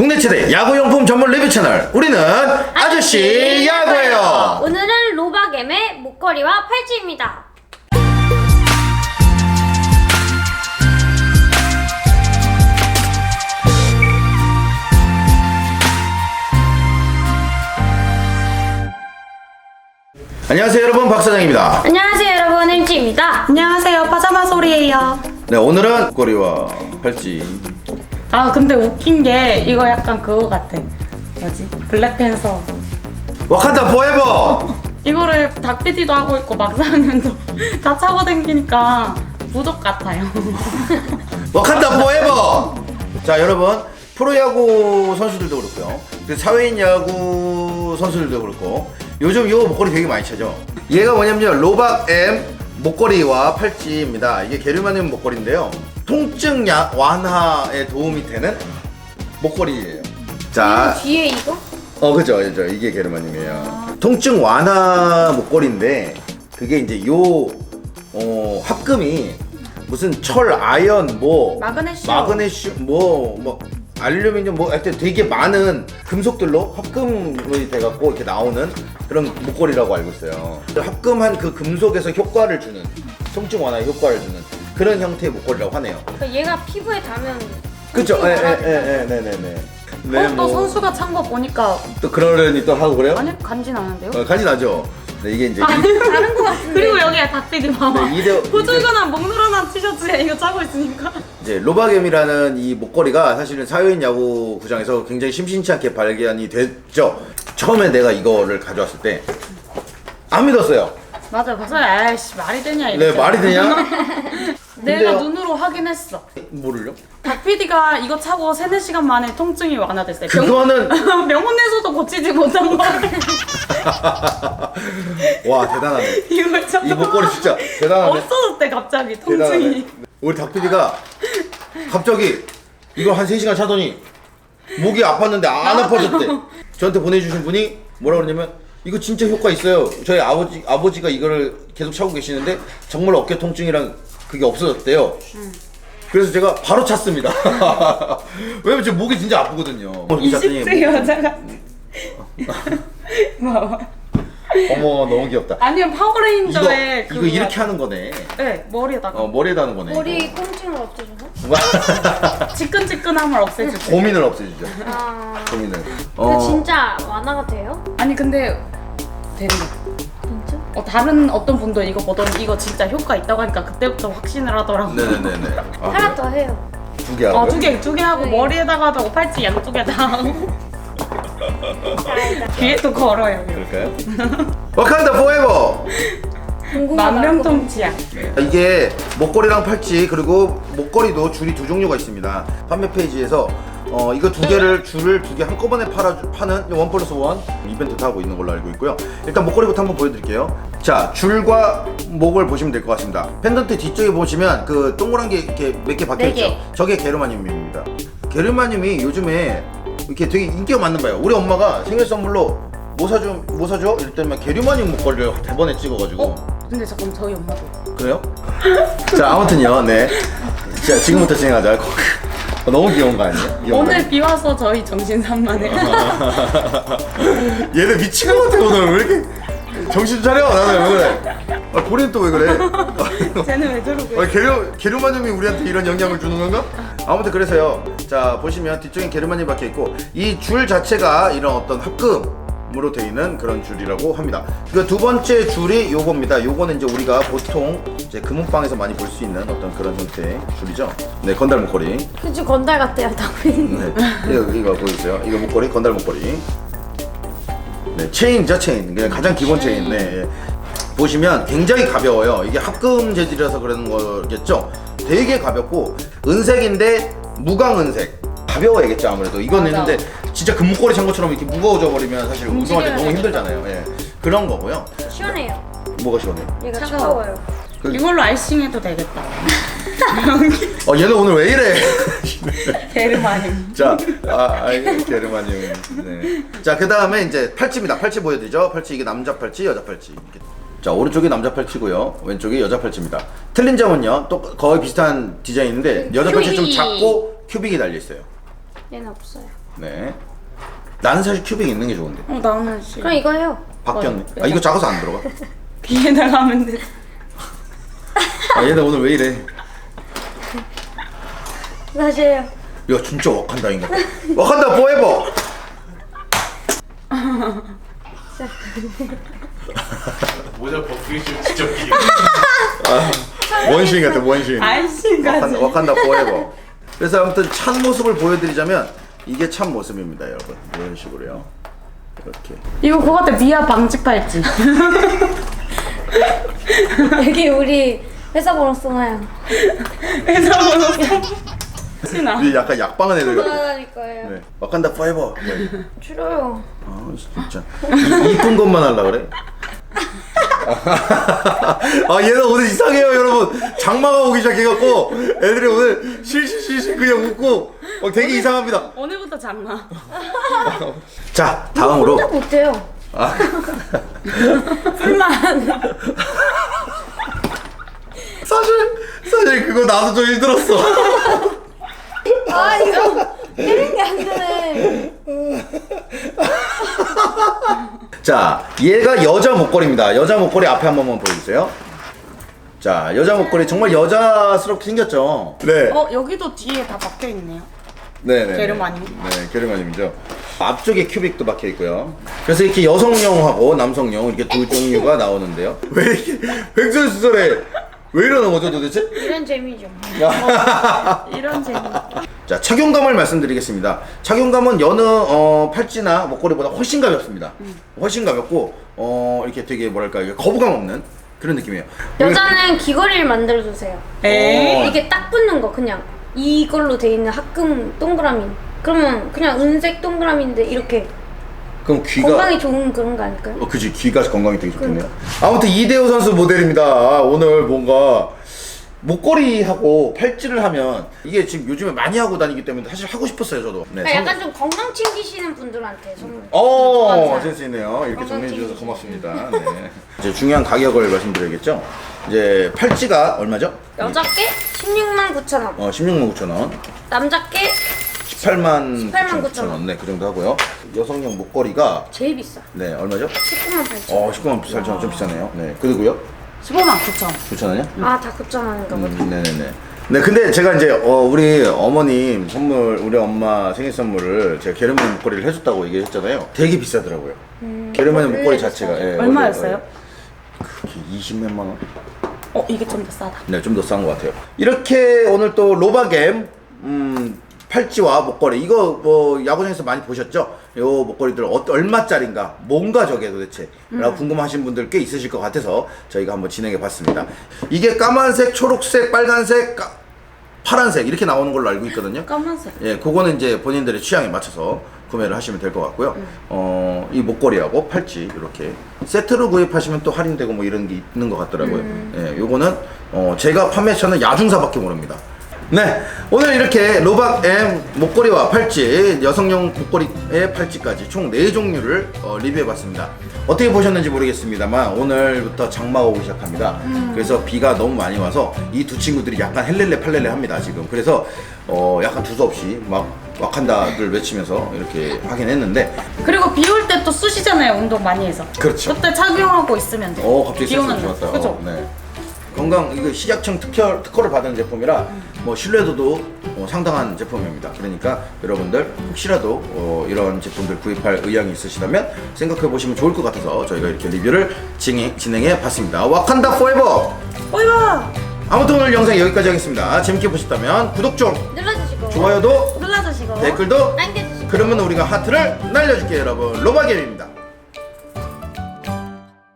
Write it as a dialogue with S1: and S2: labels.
S1: 국내 최대 야구용품 전문 리뷰 채널 우리는 아저씨 야구예요.
S2: 오늘은 로바겜의 목걸이와 팔찌입니다.
S1: 안녕하세요 여러분, 박사장입니다.
S2: 안녕하세요 여러분, 일지입니다.
S3: 안녕하세요, 파자마 소리예요.
S1: 네, 오늘은 목걸이와 팔찌.
S3: 아 근데 웃긴 게 이거 약간 그거 같아. 뭐지? 블랙팬서.
S1: 와칸다 포에버.
S3: 이거를 닭피디도 하고 있고 막사장님도 다 차고 다니니까 부족 같아요.
S1: 와칸다 포에버. 자 여러분, 프로야구 선수들도 그렇고요, 사회인 야구 선수들도 그렇고 요즘 이 목걸이 되게 많이 차죠. 얘가 뭐냐면요, 로바엠 목걸이와 팔찌입니다. 이게 게르마늄 목걸이인데요, 통증 완화에 도움이 되는 목걸이에요. 자,
S2: 뒤에 이거?
S1: 그죠. 이게 게르마늄이에요. 통증 완화 목걸이인데 그게 이제 합금이 무슨 철, 아연, 마그네슘, 알루미늄, 하여튼 되게 많은 금속들로 합금이 돼갖고 이렇게 나오는 그런 목걸이라고 알고 있어요. 합금한 그 금속에서 효과를 주는, 통증 완화에 효과를 주는 그런 형태의 목걸이라고 하네요.
S2: 그러니까 얘가 피부에 닿으면
S1: 그쵸? 네네.
S3: 또 선수가 찬 거 보니까
S1: 또 그러려니 또 하고 그래요?
S3: 아니 간지 나는데요?
S1: 간지 나죠. 네, 이게 이제
S2: 다른 거 같은데.
S3: 그리고 여기에 닭피디 봐봐.
S1: 네,
S3: 보들거나 목 늘어난 티셔츠에 이거 차고 있으니까.
S1: 이제 로바겜이라는 이 목걸이가 사실은 사회인 야구 구장에서 굉장히 심심치 않게 발견이 됐죠. 처음에 내가 이거를 가져왔을 때 안 믿었어요.
S3: 맞아, 그래서 아이씨 말이 되냐 이랬잖아.
S1: 네, 말이 되냐?
S3: 내가
S1: 근데요?
S3: 눈으로 확인했어.
S1: 뭐를요?
S3: 닭PD가 이거 차고 3-4시간 만에 통증이 완화됐어요.
S1: 그거는
S3: 병원에서도 고치지 못한 거.
S1: 와, 대단하네.
S3: 이거 참
S1: 이 목걸이 진짜 대단하네.
S3: 없어졌대 갑자기
S1: 대단하네.
S3: 통증이.
S1: 우리 닭PD가 갑자기 이걸 한 3시간 차더니 목이 아팠는데 안 아파졌대. 저한테 보내주신 분이 뭐라 그러냐면, 이거 진짜 효과 있어요. 저희 아버지가 이거를 계속 차고 계시는데 정말 어깨 통증이랑 그게 없어졌대요. 그래서 제가 바로 찼습니다. 왜냐면 제 목이 진짜 아프거든요.
S3: 20세 여자가 봐봐.
S1: 어머, 너무 귀엽다.
S3: 아니면 파워레인저에
S1: 이거 이렇게 하는 거네.
S3: 네, 머리에다가
S1: 머리에다 하는 거네.
S2: 머리 통증을 없애줘서?
S3: 지끈지끈함을 없애주고.
S1: 고민을 없애주죠.
S2: 아...
S1: 고민을.
S2: 근데 진짜 완화가 돼요?
S3: 아니 근데 되는 거.
S2: 진짜?
S3: 다른 어떤 분도 이거 보더니 이거 진짜 효과 있다고 하니까 그때부터 확신을 하더라고.
S1: 네네네네.
S2: 하나 더 해요.
S1: 2개 하고.
S3: 두 개 하고
S2: 네.
S3: 머리에다가도 하고 팔찌 양쪽에 다 하고 뒤에도 걸어요.
S1: 그럴까요? 와칸다 포에버.
S2: 궁금하다.
S3: 만명통치약.
S1: 이게 목걸이랑 팔찌, 그리고 목걸이도 줄이 두 종류가 있습니다. 판매 페이지에서 이거 줄을 두 개 한꺼번에 파는 1+1 이벤트도 하고 있는 걸로 알고 있고요. 일단 목걸이부터 한번 보여드릴게요. 자, 줄과 목을 보시면 될 것 같습니다. 펜던트 뒤쪽에 보시면 그 동그란 게 이렇게 몇 개 박혀 있죠.
S3: 네
S1: 저게 게르마늄입니다. 게르마늄이 요즘에 이렇게 되게 인기가 많는 바예요. 우리 엄마가 생일 선물로 뭐 사줘? 이랬더니 게르마늄 목걸이를 대번에 찍어가지고.
S3: 근데 잠깐 저희 엄마도.
S1: 그래요? 자, 아무튼요. 네. 자, 지금부터 진행하자. 너무 귀여운 거 아니에요? 귀여운 거
S3: 오늘
S1: 아니에요?
S3: 비 와서 저희 정신 산만해요.
S1: 얘네 미친 것 같아. 오늘 왜 이렇게 정신 차려. 나는 왜 그래? 본인 또 왜 그래?
S3: 쟤는 왜 저러고?
S1: 게르마늄이 우리한테 이런 영향을 주는 건가? 아무튼 그래서요. 자, 보시면 뒤쪽엔 게르마늄이 박혀 있고, 이 줄 자체가 이런 어떤 합금으로 되어 있는 그런 줄이라고 합니다. 그 두 번째 줄이 요겁니다. 요거는 이제 우리가 보통 이제 금은방에서 많이 볼 수 있는 어떤 그런 형태의 줄이죠. 네, 건달 목걸이.
S2: 그치, 건달 같대요, 당연히.
S1: 네, 이거 보여주세요. 이거 목걸이, 건달 목걸이. 네, 체인이죠, 체인. 그냥 가장 기본 체인. 네, 예. 보시면 굉장히 가벼워요. 이게 합금 재질이라서 그러는 거겠죠. 되게 가볍고 은색인데 무광은색. 가벼워야겠죠, 아무래도. 이건
S3: 맞아.
S1: 있는데 진짜 금목걸이 찬 것처럼 이렇게 무거워져 버리면 사실 운동할 때 너무
S3: 되겠다.
S1: 힘들잖아요. 예, 그런 거고요.
S2: 시원해요.
S1: 뭐가 시원해?
S2: 얘가
S3: 차가워.
S2: 차가워요.
S3: 이걸로 아이싱해도 되겠다.
S1: 얘는 오늘 왜 이래?
S3: 게르마늄.
S1: 자, 게르마늄. 네. 자, 그 다음에 이제 팔찌입니다. 팔찌 보여드리죠. 팔찌, 이게 남자 팔찌, 여자 팔찌. 이렇게. 자, 오른쪽이 남자 팔찌고요, 왼쪽이 여자 팔찌입니다. 틀린 점은요, 또 거의 비슷한 디자인인데 여자 팔찌 좀
S2: 큐빅이.
S1: 작고 큐빅이 달려 있어요.
S2: 얘는 없어요.
S1: 네. 나는 사실 큐빅 있는 게 좋은데.
S3: 나는 싫어.
S2: 그럼 이거 해요.
S1: 바뀌었네. 아 이거 작아서 안 들어가.
S3: 귀에다가 하면 돼.
S1: 아 얘네 오늘 왜 이래?
S2: 다시 해요.
S1: 야 진짜 와칸다인가? 와칸다 포에버.
S4: 모자 벗기 진짜 웃기.
S1: 원신 같아 원신.
S3: 아이씨까지.
S1: 와칸다 포에버. 그래서 아무튼 참 모습을 보여드리자면 이게 참 모습입니다, 여러분. 이런 식으로요. 이렇게.
S3: 이거 그거 같아. 미아 방직 팔찌.
S2: 여기 우리 회사 번호 써놔요.
S3: 그래서 신아.
S1: 이게 약간 약방한 애들 같아.
S2: 돌아다닐 거예요.
S1: 네. 와칸다 포에버. 네.
S2: 줄여요.
S1: 아 진짜 이쁜 것만 하려 그래? 아 얘는 오늘 이상해요 여러분. 장마가 오기 시작해갖고 애들이 오늘 실실실실 그냥 웃고 되게 이상합니다.
S3: 오늘부터 장마.
S1: 자 다음으로
S2: 혼자 못해요. 불만.
S1: 사실 그거 나도 좀 힘들었어.
S2: 아 이거 때리는 게 안 되네.
S1: 자 얘가 여자 목걸이입니다. 여자 목걸이 앞에 한 번만 보여주세요. 자 여자 목걸이 정말 여자스럽게 생겼죠. 네.
S3: 여기도 뒤에 다 박혀 있네요.
S1: 네네.
S3: 게르마늄.
S1: 네, 게르마늄이죠. 앞쪽에 큐빅도 박혀 있고요. 그래서 이렇게 여성용하고 남성용 이렇게 두 종류가 나오는데요. 왜 이렇게 횡설수설해? 왜 이러는 거죠 도대체?
S2: 이런 재미죠.
S3: 이런 재미.
S1: 자 착용감을 말씀드리겠습니다. 착용감은 여느 팔찌나 목걸이보다 훨씬 가볍습니다. 훨씬 가볍고 이렇게 되게 뭐랄까 이게 거부감 없는 그런 느낌이에요.
S2: 여자는 귀걸이를 만들어 주세요.
S3: 에이.
S2: 이게 딱 붙는 거 그냥 이걸로 돼 있는 합금 동그라미. 그러면 그냥 은색 동그라미인데 이렇게
S1: 그럼 귀가
S2: 건강에 좋은 그런 거 아닐까요?
S1: 그지 귀가 건강이 되게 좋겠네요. 아무튼 이대호 선수 모델입니다. 오늘 뭔가 목걸이하고 팔찌를 하면 이게 지금 요즘에 많이 하고 다니기 때문에 사실 하고 싶었어요 저도. 네,
S2: 그러니까 약간 좀 건강 챙기시는 분들한테 선물.
S1: 센스 있네요. 이렇게 정리해 주셔서 고맙습니다. 네. 이제 중요한 가격을 말씀드려야겠죠. 이제 팔찌가 얼마죠?
S2: 여자께 169,000원,
S1: 16만 9천 원,
S2: 남자께
S1: 18만
S2: 9천
S1: 원. 네, 그 정도 하고요. 여성용 목걸이가
S2: 제일 비싸.
S1: 네 얼마죠?
S2: 198,000원.
S1: 19만 8천 원 좀 비싸네요. 네, 그리고요
S3: 15만 9천.
S1: 9천 원이요?
S2: 다 9,000원인가 보다.
S1: 네네네. 네, 근데 제가 이제 우리 어머님 선물, 우리 엄마 생일 선물을 제가 게르마늄 목걸이를 해줬다고 얘기했잖아요. 되게 비싸더라고요. 게르마늄
S2: 원래
S1: 목걸이 자체가. 예,
S3: 얼마였어요?
S1: 그게 20몇만 원?
S3: 이게 좀 더 싸다.
S1: 네, 좀 더 싼 것 같아요. 이렇게 오늘 또 로바겜 팔찌와 목걸이 이거 뭐 야구장에서 많이 보셨죠? 요 목걸이들 얼마짜린가? 뭔가 저게 도대체? 라고 궁금하신 분들 꽤 있으실 것 같아서 저희가 한번 진행해 봤습니다. 이게 까만색, 초록색, 빨간색, 파란색 이렇게 나오는 걸로 알고 있거든요.
S3: 까만색.
S1: 예, 그거는 이제 본인들의 취향에 맞춰서 구매를 하시면 될 것 같고요. 이 목걸이하고 팔찌 이렇게 세트로 구입하시면 또 할인되고 뭐 이런 게 있는 것 같더라고요. 예, 요거는 제가 판매처는 야중사밖에 모릅니다. 네, 오늘 이렇게 로박 M 목걸이와 팔찌, 여성용 목걸이의 팔찌까지 총 4종류를 리뷰해봤습니다. 어떻게 보셨는지 모르겠습니다만 오늘부터 장마가 오기 시작합니다. 그래서 비가 너무 많이 와서 이 두 친구들이 약간 헬렐레 팔렐레 합니다 지금. 그래서 약간 두서없이 막 와칸다를 외치면서 이렇게 하긴 했는데
S3: 그리고 비 올 때 또 쑤시잖아요. 운동 많이 해서.
S1: 그렇죠.
S3: 그때 착용하고 있으면 돼.
S1: 갑자기
S3: 비 오는
S1: 센스
S3: 날.
S1: 좋았다.
S3: 그죠?
S1: 네. 건강 이거 식약청 특허를 받은 제품이라 뭐 신뢰도도 상당한 제품입니다. 그러니까 여러분들 혹시라도 이런 제품들 구입할 의향이 있으시다면 생각해 보시면 좋을 것 같아서 저희가 이렇게 리뷰를 진행해 봤습니다. 와칸다 포에버.
S3: 오이와.
S1: 아무튼 오늘 영상 여기까지 하겠습니다. 재밌게 보셨다면 구독 좀,
S2: 눌러주시고
S1: 좋아요도,
S2: 눌러주시고
S1: 댓글도.
S2: 남겨주시고
S1: 그러면 우리가 하트를 날려줄게요, 여러분. 로바겜입니다.